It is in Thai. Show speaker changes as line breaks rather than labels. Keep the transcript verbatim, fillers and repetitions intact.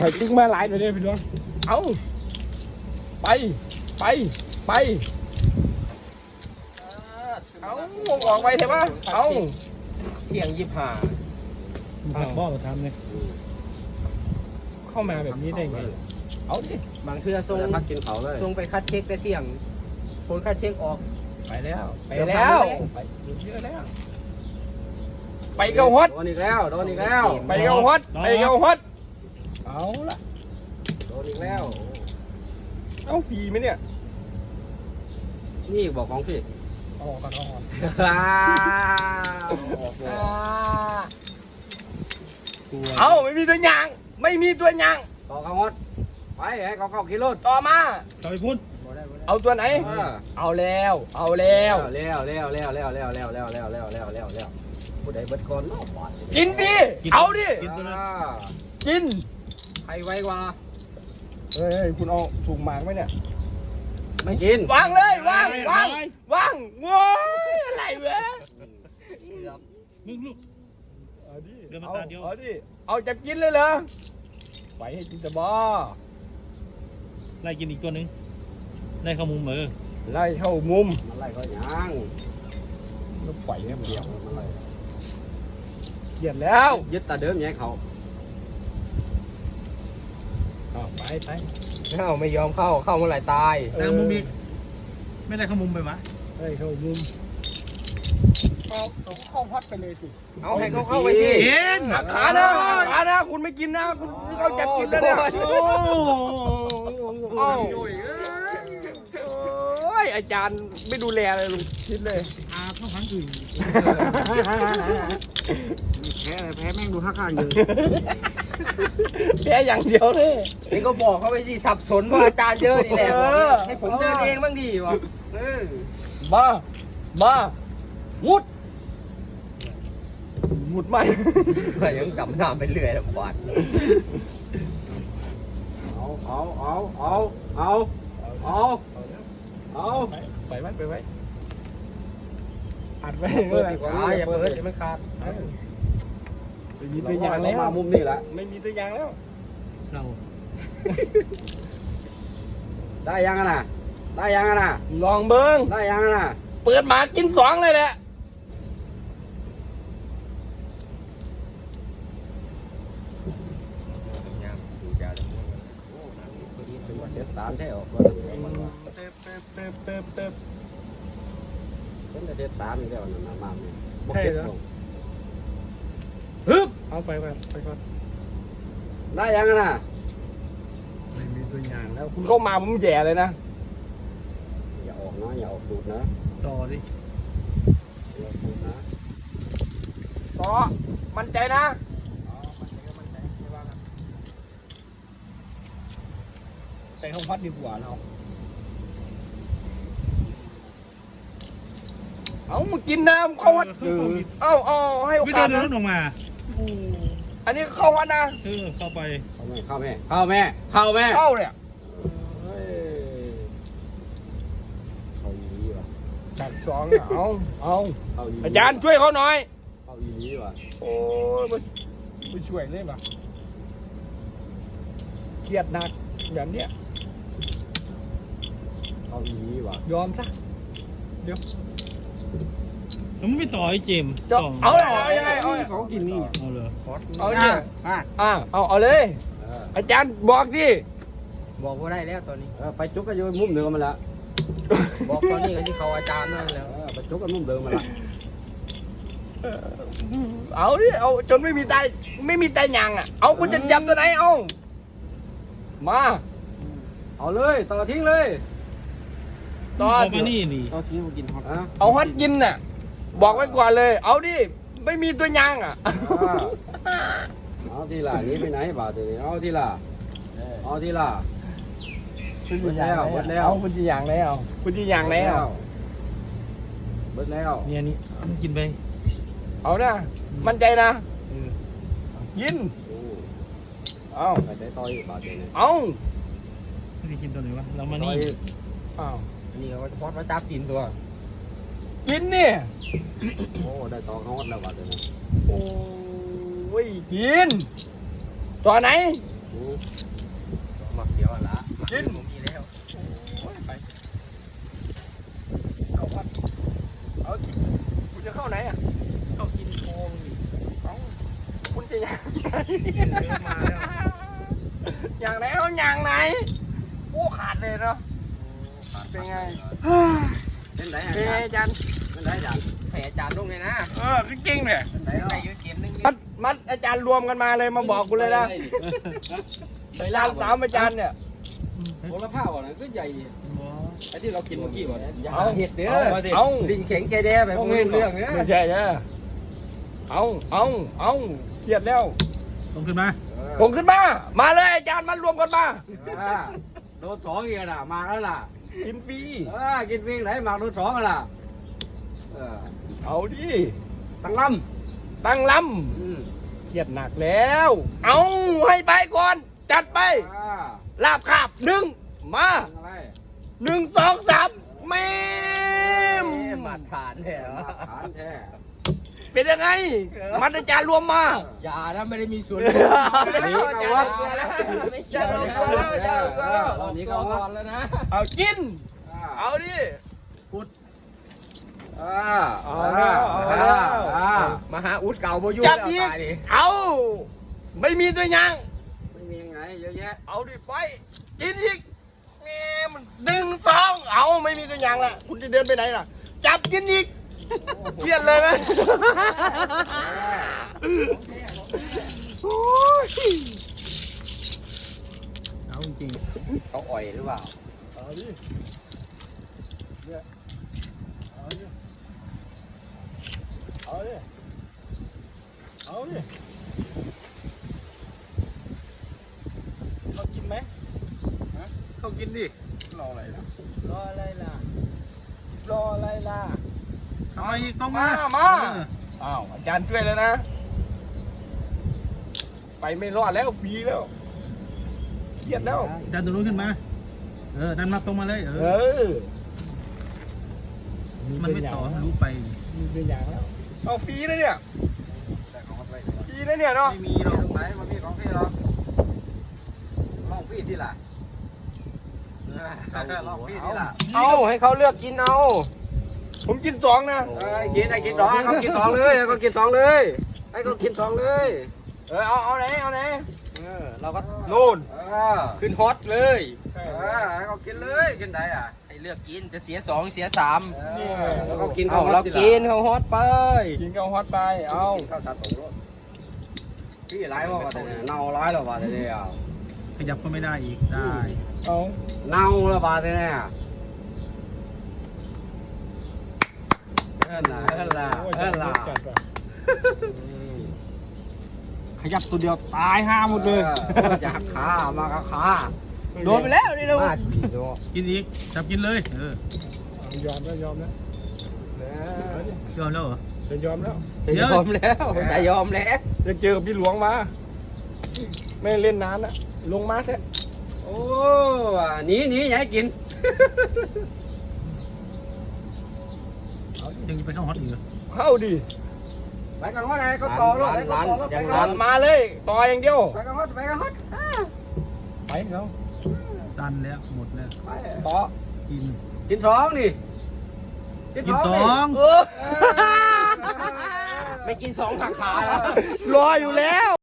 ไปตึ้งมาหลายหน่อยเด้อพี่น้องเอาไปไปไปเอาออกไปเถอะวะเอาเที่ยงยี่ห้า
ผักบ่อมาทำเนี่ย
เข้ามาแบบนี้ได้ไงเอาดิ
บางเทื่อส่ง
พักกินเขาเลย
ส่งไปคัดเช็คแต่เที่ยงผลคัดเช็คออก
ไปแล้วไปแล้วไปเยอะแล้วไปเกาฮอต
โดนอีกแล้วโดนอีกแล้ว
ไปเกาฮอตไปเกาฮอตเอาละ
โดนอีกแล้ว
เอาฟรีไหมเนี่ย
นี่บอกของพี่
เอาออกก่อนเอาออก
อ้าวออกเลย
เอาไม่มีตัวอยางไม่มีตัวอยาง
ต่อเขางดไปให้เขาเข้าขี่รถ
ต่อมา
ต่อยพุ่น
เอาตัวไหน
เออ
เอาแล้วเอาแล้ว
เร็วเร็วเร็วเร็วเร็วเร็วเร็วเร็วเร็วเร็วเร็วเร็วเร็วผู้ใดเบิดก่อนเนาะบาด
กินดิเอาดิ
กินตัวนั้น
อ่า
กิน
ใครไว้กว่า
เฮ้ยคุณเอาถุงหมากไหมเนี่ย
ไม่กิน
วางเลยวางวางวางโว้ยอะไรเว้ย
มึงลูก
เอาดิ
เดินมา
เอา
ตาเดียว
เอาดิเอาจะกินเลยเหรอไปให้กินจะบ้า
ไล่กินอีกตัวหนึงไล่เข้ามุมมือ
ไล่เข้ามุม
มันไล่ก็ยัง
แล้วปล่อยแค่เดียว
มันไล่
เขียนแล้ว
ยึดตาเดิมแย่เขา
เอาไปไป
เข้าไม่ยอมเข้าเข้าเมื่อไหร่ตาย
ไล่เข้ามุมอีกไม่ได้เข้ามุมไปวะ
ไล่เข้ามุมเอาเอาเข้าพัดไปเลยสิ
เอาให้เขาเข้าไปสิ
เห็น
หักขานะขานะคุณไม่กินนะคุณเขาจะกินแล้วเนี่ย
โอ้
โอ้โอ้ยอาจารย์ไม่ดูแลเลยลุงคิดเลย
อาเข้าครั้งอื่น
แพ้แพ้แม่งดูท่าข้างอยู่
แค่อย่างเดียวเลย
นี่ก็บอกเขาไปสิสับสนว่าอาจารย์เยอะนี่แหละ
เออ
ให้ผมเดินเองบ้างดีวะเออ
มามา
มุด
หมุดไหม
ก็ยังจำหน้าไปเรื่อยลำบาก
เอาเอาเอาเอาเอาเอาเอา
ไปไว้ไปไว้อัดไว้
เปิ
เมื่อ
ด
ไหร่
ดีกว่า
อ่าอย่าเปิดเดี๋ยวมันขาด
ไม่มีตัวอย่างแล้ว
มามุมนี่แหละ
ไม่มีตัวอย่างแล้ว
เรา
ได้ยังอะน่ะได้ยังอะน่ะ
ลองเบิ้ง
ได้ยังอะน่ะ
เปิดหมากินสองเลยแหละ
เป็นว่าเจ็ดสามแท้ออก
เติบเติบเติบเติบเติบเติบ
เป็นแต่เจ็ดสามนี่แล้วนั่นน่ะมาเนี่ย
ใช่เหรอ
ฮึบ
เอาไปก่อนไปก่อน
ได้ยังอะน่ะ
ไม่มีตัวอย่างแล้วคุณเข้ามาผมแย่เลยนะ
อย่าออกนะอย่าออกตูดนะ
ต่อดิ
อย่าออกตูดนะ
ต่อมั่นใจนะแต่ห้องพัดดีกว่าเราเอามากินน้ำเข้าวัดเอาเอาให้โอ
ไม่
กา
เดิ
ส
น
นะ
รถออกมา
อันนี้เข้าวัดนะ
เออเข้าไป
เข้าแม่เข้าแม่เข้าแม่เข้าแม่
เข้าเนี่ย
เฮ้ยเข้าอีหลีว่ะ
จัดสองเอาเอา
เข้าอีหลี
อาจารย์ช่วยเขาหน่อย
เข้าอีหลีว่ะ
โอ้ยไม่ไม่ช่วยเลยป่ะเครียดหนักอย่างเนี้ย
เข้าอีหลีว่ะ
ยอมซะเดี๋ยว
แล้วมึงไม่ต่อไอ้เจมส์
จะ
ต่
เอาเลยเอายังไงเอา
เขากินนี่
เอาเลย
เอาเนี่ย
อ่ะ
อ่าเอาเอาเลย
เออ
อาจารย์บอกสิ
บอกว่าได้แล้วตอนนี้
เออไปจุกกันอยู่มุมเดิมมันละ
บอกตอนนี้ก็ที่เขาอาจารย์นั่นแล้ว
เออไปจุกกันมุมเดิมมันละ
เอาดิเอาจนไม่มีตายไม่มีตายยังอ่ะเอาคุณจะจับตัวไหนเอามา
เอาเลยต่อทิ้งเลย
ต่อ
เข้ามานี่นี่
ต่อทิ้งมากินฮอตอ่ะ
เอาฮอตกินน่ะบอกไว้ก่อนเลย เอาดิไม่มีตัวยางอ่ะ
อ่าเอาทีละหนี้ไปไหนบ่าวทีนี้เอาทีละเอาทีละ
คุณจะยางแล้วเอาคุณจะยางแล้วคุณจะยางแล้ว
เบิดแล้ว
เนี่ยนี่มึงกินไป
เอานะมั่นใจนะ
เออ
ยิน
โอ้
เอา
ไปได้ต่อยบ่าวทีนี้
เอา
ไม่ได้กินตัวไหนวะเรามา
ต่อ
นี่
ย
เอา
อันนี้เขาพอดมาจับกินตัว
กินนี่
โอ้ได้ต่อเขาฮอตแล้วบ่าวทีนี้
โอ้ยกินตัวไหน
อืม
มาเขียวอ่ะละ
กิน
ผมมีแล้ว
โอ้ยไปเอาวัดเอากินคุณจะเข้าไหนอ่ะ
เข้ากินโค้งนี่
เอาคุณจะยังไง
เริ่มมาแล้ว
อย่างไหนเอาอย่างไหนโอ้ขาดเลยเนาะ เป็นไง
เป็นไหน
เป็นไง
อา
อาจารย์
เป็นไหนอาจารย์
ให้อาจารย์ลงเลยนะ
เออคือจริงเนี่ย
เป็นไหน
ได้
เนาะ
อยู่เกมนึง
มัดมัดอาจารย์รวมกันมาเลยมาบอกกูเลยนะ
ไป
อาจารย์สามอาจารย์เนี่ย
โหระพาบ่นะก็ใหญ่ไอ้ที่เรากินเมื่อกี้บ่นะ
อย่า
เอา
เห็ดเด้อ
เอามาดิเอา
ลิงแข็งแกแด้แบบไม่รู้เรื่องเนี่ย
ไม่ใช่ใช่เอาเอาเอาเครียดแล้ว
ลงขึ้นมา
ผมขึ้นมา มาเลยอาจารย์มารวมกันมา
อ่าโดนสองอีกแล้วมาแล้วล่ะ
กินฟรี
เออกินวิ่งไหนมาโดนสองอ่ะล่ะเออ
เอาดิ
ตั้งล
ตั้งล
ำอืม
ำเครียดหนักแล้ว เอาให้ไปก่อน จัดไป
อ่า
ลาบคาบหนึ่งมา
ตั้งอะไร
หนึ่งสองสามเมม
มาฐานเนี่ยเหรอ
ฐานแท้
เป็นยังไง มัดอาจารย์รวมมา
อย่านะไม่ได้มีส่วน
เอาแล้ว
ร่วม
อาจารย์
อย่านะไม่เกี่ยว
อาจารย์รวมตัวแล้วอาจารย์รวมตัวแล้ว
รอบนี้ก็ก่อนแล้วนะ
เอากิน
อ่า
เอาดิ
อ่า
เอาแล้วเอาแล้ว
อ่า
มาหาอุดเก่าโบอยู
จับ
แล้ว
อีก
ตายดิ
เอา ไม่มีตัวยัง
ไม่มียังไงเยอะแยะ
เอาดิไปกินอีกแง่มันหนึ่งสองเอาไม่มีตัวอย่างละคุณจะเดินไปไหนล่ะ จับกินอีกเครียดเลยไหมโอ้ย
เอาจริง
เขาอ่อยหรือเปล่า
เอาดิเนี่ยเอาดิเอาดิเอาดิเขากินไหม
เข้ากินดิ
รออะไรล่ะ
รออะไรล่ะ
รออะไรล่ะ
ทำไมอีกต้องมา
มา อ้าวอาจารย์ช่วยแล้วนะ ไปไม่รอดแล้วฟรีแล้วเครียดแล้ว
ดันตัวนู้นขึ้นมา เออ ดันมาตรงมาเลย เอ
เอ
อ
อ
มันไม่ต่อรู้ไป
มีเป็นอย่างแล้วเอาฟรีนะเนี่ย
แต่ของมันไป
ฟรีนะเนี่ยเนาะ
ไม่มีหรอก
ไหนมันมีของพี่หรอลองพี่ที่ล่ะลองพี่ที่ล่ะ
เอาให้เขาเลือกกินเอา
ผมกินสองนะ
เอ้ยกินไอ้กินสองให้เขากินสองเลยให้เขากินสองเลยให้เขากินสองเลย
เออเอาเอาไหนเอาไหน
เออเราก็
โน่น
เออ
ขึ้นฮอตเลย
เออให้เขากินเลยกินได้อ่ะ
ให้เลือกกินจะเสียสองเสียสาม
แล้วเขากิน
เอาเรากินเขาฮอตไป
กินข้าวฮอตไปเอา
ข้าวตัดตรงรถพี่ร้ายว่าแต่เนี่ยเน่าร้ายแล้วว่าแต่เนี่ย
ขยับก็ไม่ได้อีก ได้
เอา
เน่าแล้วว่าแต่เนี่ยเอิ้นล่ะเอิ้นล่ะ
โอ้ย
เอิ้นล่ะ
จัดว่ะขยับตัวเดียวตายห้าหมดเลย
อยากขามาก็ขา
โดนไปแล้วนี่เรา
มาดีโด
กินอีก จับกินเลย เออ
ยอมแล้วยอมแล้ว
ยอมแล้วเหรอ
จะยอมแล้ว
จะยอมแล้วจะยอมแล้ว
จะเจอกับพี่หลวงมา ไม่เล่นนานนะลงมาแท้
โอ้หนีหนีอย่าให้กิน
ยังจะไปเข้าฮอตอีกเหรอ
เข้าดิ
ไปกันว่าไหนก็ต่อรถไปกันต่อรถไปกัน
มาเลยต่ออย่างเดียว
ไปกันฮอดไปกันฮอด
ไปเขา
ตันแล้ว หมดแล้ว
ไป
ต่อ
กิน
กินสองนี่
กินสอง
เออ
ไม่กินสองขาขาแล้ว
รออยู่แล้ว